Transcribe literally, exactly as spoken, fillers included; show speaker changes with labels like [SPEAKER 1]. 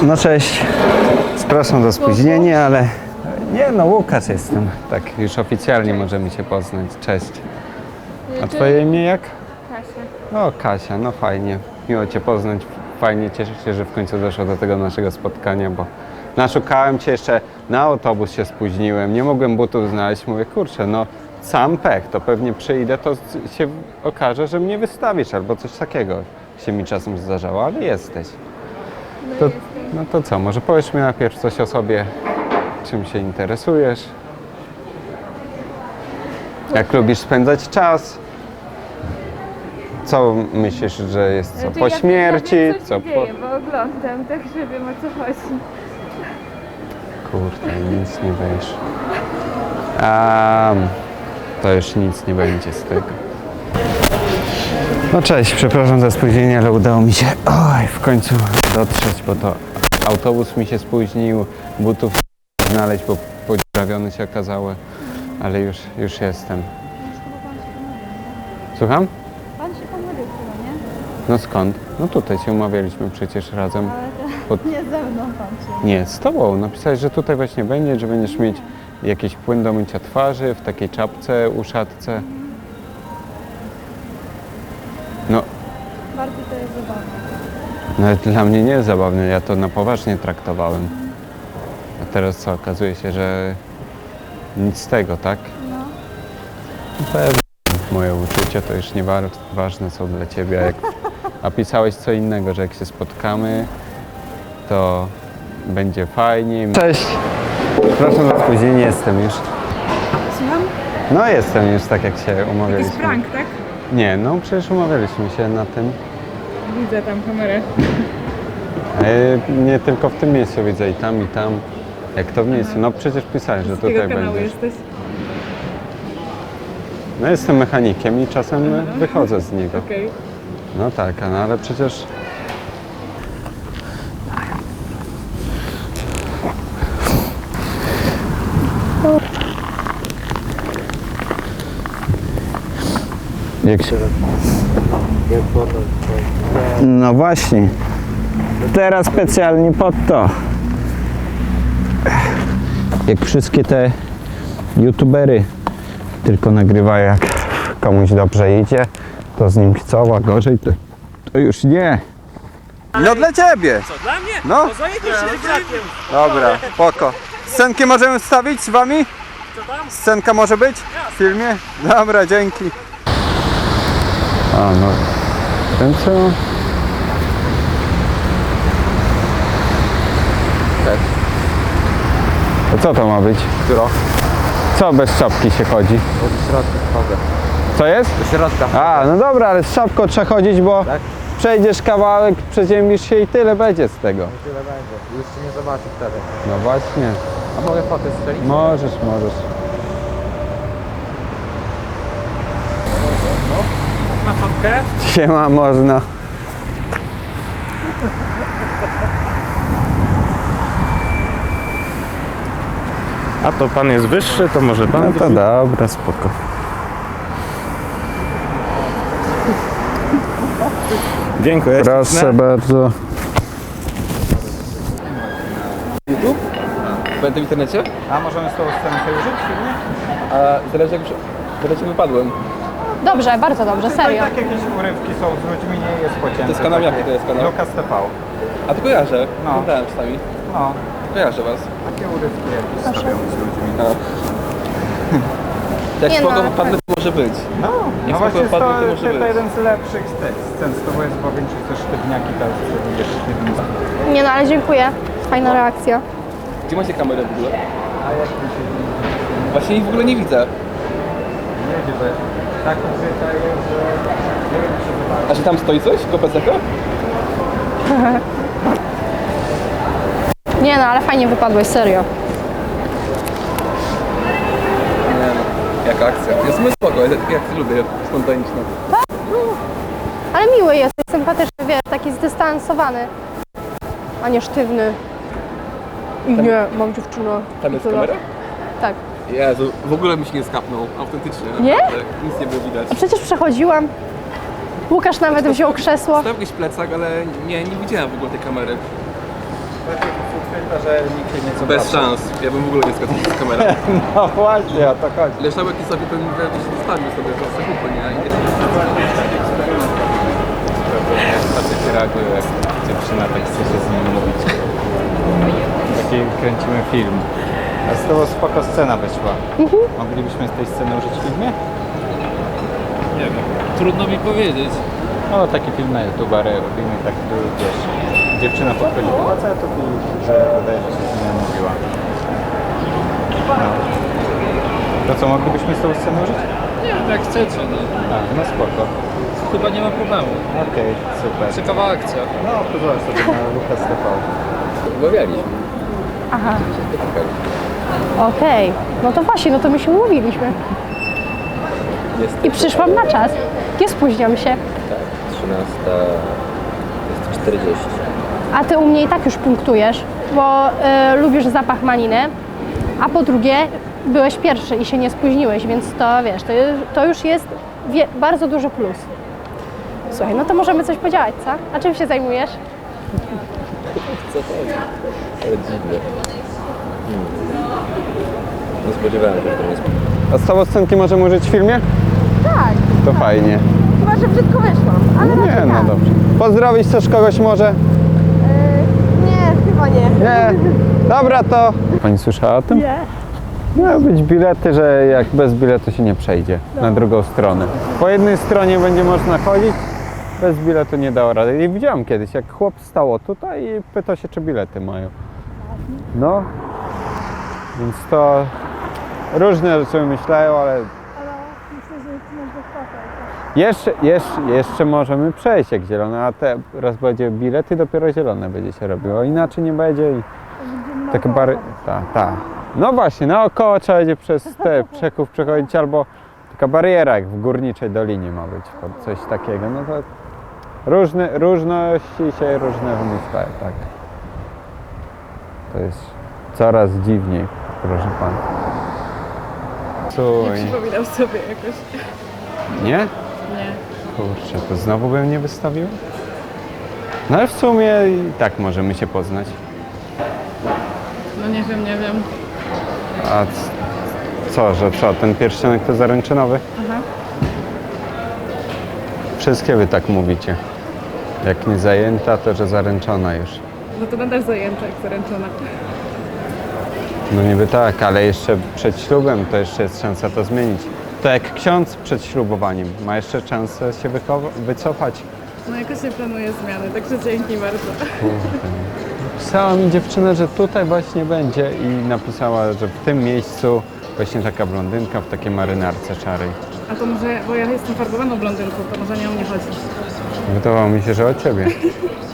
[SPEAKER 1] No cześć, przepraszam za spóźnienie, ale nie no, Łukasz jestem, tak już oficjalnie możemy się poznać, cześć. A twoje imię jak?
[SPEAKER 2] Kasia.
[SPEAKER 1] O, Kasia, no fajnie, miło cię poznać, fajnie, cieszę się, że w końcu doszło do tego naszego spotkania, bo naszukałem cię jeszcze, na autobus się spóźniłem, nie mogłem butów znaleźć, mówię, kurczę, no sam pech, to pewnie przyjdę, to się okaże, że mnie wystawisz albo coś takiego się mi czasem zdarzało, ale jesteś. To, no to co, może powiesz mi najpierw coś o sobie, czym się interesujesz, jak lubisz spędzać czas, co myślisz, że jest co po śmierci,
[SPEAKER 2] ja wiem, co
[SPEAKER 1] co
[SPEAKER 2] się
[SPEAKER 1] po...
[SPEAKER 2] dzieje, bo oglądam, także wiem, o co chodzi.
[SPEAKER 1] Kurde, nic nie wiesz. Um, to już nic nie będzie z tego. No cześć, przepraszam za spóźnienie, ale udało mi się oj, w końcu dotrzeć, bo to autobus mi się spóźnił, butów znaleźć, bo podziurawione się okazały, ale już, już jestem. Słucham?
[SPEAKER 2] Pan się pomylił chyba, nie?
[SPEAKER 1] No skąd? No tutaj się umawialiśmy przecież razem.
[SPEAKER 2] Ale to
[SPEAKER 1] Pod...
[SPEAKER 2] nie ze mną pan się.
[SPEAKER 1] Nie, z tobą. Napisałeś, że tutaj właśnie będzie, że będziesz mieć jakiś płyn do mycia twarzy w takiej czapce, uszatce. No,
[SPEAKER 2] Bardzo to jest zabawne.
[SPEAKER 1] nawet dla mnie nie jest zabawne, ja to na poważnie traktowałem. A teraz co, okazuje się, że nic z tego, tak?
[SPEAKER 2] No.
[SPEAKER 1] No pewnie. Moje uczucia to już nieważne są dla ciebie. Jak... A pisałeś co innego, że jak się spotkamy, to będzie fajnie. Cześć! Przepraszam za spóźnienie, jestem już.
[SPEAKER 2] Słucham?
[SPEAKER 1] No jestem już tak jak się umawialiśmy.
[SPEAKER 2] Jakiś prank, tak?
[SPEAKER 1] Nie, no przecież umawialiśmy się na tym.
[SPEAKER 2] Widzę tam kamerę.
[SPEAKER 1] E, nie tylko w tym miejscu widzę i tam i tam. Jak to w miejscu? No przecież pisałeś, że
[SPEAKER 2] Z jakiego
[SPEAKER 1] tutaj
[SPEAKER 2] kanału
[SPEAKER 1] będziesz.
[SPEAKER 2] jesteś?
[SPEAKER 1] No jestem mechanikiem i czasem wychodzę z niego.
[SPEAKER 2] Okej.
[SPEAKER 1] No tak, no ale przecież... Jak się... No właśnie. Teraz specjalnie pod to. Jak wszystkie te youtubery tylko nagrywają, jak komuś dobrze idzie, to z nim chcą, a gorzej to, to już nie. No dla ciebie!
[SPEAKER 3] Co, dla mnie?
[SPEAKER 1] No.
[SPEAKER 3] To zajebiesz się egzakiem.
[SPEAKER 1] Dobra, spoko. Scenkę możemy wstawić z wami?
[SPEAKER 3] Co tam?
[SPEAKER 1] Scenka może być w filmie? Dobra, dzięki. A no, ten co? To co to ma być?
[SPEAKER 4] Którą?
[SPEAKER 1] Co bez czapki się chodzi?
[SPEAKER 4] Do środka wchodzę.
[SPEAKER 1] Co jest?
[SPEAKER 4] Do środka.
[SPEAKER 1] A, no dobra, ale z czapką trzeba chodzić, bo
[SPEAKER 4] Tak?
[SPEAKER 1] przejdziesz kawałek, przeziębisz się i tyle będzie z tego.
[SPEAKER 4] Tyle będzie. Już cię nie zobaczy wtedy.
[SPEAKER 1] No właśnie.
[SPEAKER 4] A mogę fotę strzelić?
[SPEAKER 1] Możesz, możesz.
[SPEAKER 3] Na fotkę?
[SPEAKER 1] Siema, można.
[SPEAKER 3] A to pan jest wyższy, to może pan...
[SPEAKER 1] No to dobra, spoko.
[SPEAKER 3] Dziękuję.
[SPEAKER 1] Proszę bardzo.
[SPEAKER 4] YouTube? Będę w internecie?
[SPEAKER 1] A możemy z tą scenkę użyć w filmie?
[SPEAKER 4] A zależy jak już... Zależy wypadłem.
[SPEAKER 5] Dobrze, bardzo dobrze, serio.
[SPEAKER 1] Tak jakieś urywki są z ludźmi, nie jest pocięte.
[SPEAKER 4] To jest kanał jaki to jest kanał?
[SPEAKER 1] Lukas T V.
[SPEAKER 4] A to kojarzę.
[SPEAKER 1] No.
[SPEAKER 4] Oglądałem czasami.
[SPEAKER 1] No,
[SPEAKER 4] Kojarzę was.
[SPEAKER 1] takie urywki jakieś stawiam z ludźmi.
[SPEAKER 4] A. Jak
[SPEAKER 5] Nie
[SPEAKER 4] spoko
[SPEAKER 5] no,
[SPEAKER 4] wypadnę, to może być.
[SPEAKER 1] No,
[SPEAKER 4] Jak
[SPEAKER 1] no właśnie
[SPEAKER 4] spoko
[SPEAKER 1] to,
[SPEAKER 4] padnie, to może
[SPEAKER 1] to, to
[SPEAKER 4] być.
[SPEAKER 1] jeden z lepszych z tych scen z tobą jest, bo większość to sztywniaki, to jest wiesz, jeden z...
[SPEAKER 5] Nie no, ale dziękuję. Fajna reakcja.
[SPEAKER 4] Gdzie macie kamerę w ogóle?
[SPEAKER 1] A jak mi się
[SPEAKER 4] Właśnie ich w ogóle nie widzę.
[SPEAKER 1] nie wie, że tak ukryta jest, że nie wiem, czy zobaczy.
[SPEAKER 4] A że tam stoi coś? Kopeceko?
[SPEAKER 5] Nie no, ale fajnie wypadłeś, serio.
[SPEAKER 4] Nie no. Jaka akcja. Jest my spoko, jak, jak lubię, spontaniczne.
[SPEAKER 5] Ale miły jest, sympatyczny, wiesz, taki zdystansowany, a nie sztywny. I nie, mam dziewczynę.
[SPEAKER 4] Tam
[SPEAKER 5] I
[SPEAKER 4] jest
[SPEAKER 5] tyle.
[SPEAKER 4] kamera?
[SPEAKER 5] Tak.
[SPEAKER 4] Jezu, w ogóle mi się nie skapnął, autentycznie.
[SPEAKER 5] Nie?
[SPEAKER 4] Naprawdę. Nic nie było widać.
[SPEAKER 5] A przecież przechodziłam. Łukasz nawet wziął krzesło.
[SPEAKER 4] Stał jakiś plecak, ale nie, nie widziałem w ogóle tej kamery.
[SPEAKER 3] że nikt się nie
[SPEAKER 4] Bez szans. Ja bym w ogóle nie skakał z kamerą.
[SPEAKER 1] No właśnie, o to chodzi.
[SPEAKER 4] Leszałek i sobie ten wiesz, zostawił sobie to sekupę, nie? I
[SPEAKER 3] Facet reaguje, jak dziewczyna tak chce się z nim mówić. Taki kręcimy film. A z tego spoko scena wyszła. Moglibyśmy z tej sceny użyć w filmie?
[SPEAKER 6] Nie wiem, trudno mi powiedzieć.
[SPEAKER 3] No taki film na YouTube robimy, tak wiesz, dziewczyna podchodzi do facetów i że wydaje mi się, że z nim mówiła. No. To co, moglibyśmy z tą sceną użyć?
[SPEAKER 6] Nie wiem, jak chcecie, no.
[SPEAKER 3] A, no spoko.
[SPEAKER 6] Chyba nie ma problemu.
[SPEAKER 3] Okej, super.
[SPEAKER 6] Ciekawa akcja.
[SPEAKER 3] No, pozwolę sobie na Lukas T V.
[SPEAKER 4] Rozmawialiśmy.
[SPEAKER 5] Aha,
[SPEAKER 4] Się spotykaliśmy.
[SPEAKER 5] okej. No to właśnie, no to my się umówiliśmy.
[SPEAKER 4] Jest
[SPEAKER 5] I przyszłam na czas. Nie spóźniam się.
[SPEAKER 4] trzynasta jest czterdzieści.
[SPEAKER 5] A ty u mnie i tak już punktujesz, bo y, lubisz zapach maliny, a po drugie byłeś pierwszy i się nie spóźniłeś, więc to wiesz, to, ju- to już jest wie, bardzo duży plus. Słuchaj, no to możemy coś podziałać, co? A czym się zajmujesz?
[SPEAKER 4] Co chodzi? Ale dziwne. Hmm. Nie spodziewałem się, że to jest...
[SPEAKER 1] A z tobą scenki możemy użyć w filmie?
[SPEAKER 5] Tak,
[SPEAKER 1] To fajnie.
[SPEAKER 5] chyba że brzydko wyszłam, ale
[SPEAKER 1] Nie, no dobrze. Pozdrowić też kogoś może?
[SPEAKER 5] nie, chyba nie.
[SPEAKER 1] Nie. Dobra, to... Pani słyszała o tym?
[SPEAKER 5] Nie.
[SPEAKER 1] Miały być bilety, że jak bez biletu się nie przejdzie na drugą stronę. Po jednej stronie będzie można chodzić, bez biletu nie dało rady. I widziałem kiedyś, jak chłop stało tutaj i pytał się, czy bilety mają. No, więc to różne rzeczy myślają, ale jeszcze, jeszcze, jeszcze możemy przejść jak zielone, a teraz będzie bilet i dopiero zielone będzie się robiło, inaczej nie będzie i takie bary... Ta, ta. No właśnie, naokoło trzeba będzie przez te przekop przechodzić, albo taka bariera jak w Górniczej Dolinie ma być, coś takiego, no to różne, różności się różne wymyślają, tak. To jest coraz dziwniej, proszę pana.
[SPEAKER 2] Nie
[SPEAKER 1] Słuchaj,
[SPEAKER 2] przypominam sobie jakoś.
[SPEAKER 1] nie?
[SPEAKER 2] Nie.
[SPEAKER 1] Kurczę, to znowu bym nie wystawił? No ale w sumie i tak możemy się poznać.
[SPEAKER 2] No nie wiem, nie wiem.
[SPEAKER 1] A c- co, że co, ten pierścionek to zaręczynowy?
[SPEAKER 2] Aha.
[SPEAKER 1] Wszystkie wy tak mówicie. Jak nie zajęta, to że zaręczona już.
[SPEAKER 2] No to nadal zajęta, jak zaręczona.
[SPEAKER 1] No niby tak, ale jeszcze przed ślubem to jeszcze jest szansa to zmienić. To jak ksiądz przed ślubowaniem ma jeszcze szansę się wychowa- wycofać.
[SPEAKER 2] No jakoś nie planuję zmiany, także dzięki bardzo.
[SPEAKER 1] Pisała mi dziewczyna, że tutaj właśnie będzie i napisała, że w tym miejscu właśnie taka blondynka w takiej marynarce szarej.
[SPEAKER 2] A to może, bo ja jestem farbowaną blondynką, to może nie o mnie chodzi.
[SPEAKER 1] Wydawało mi się, że o ciebie.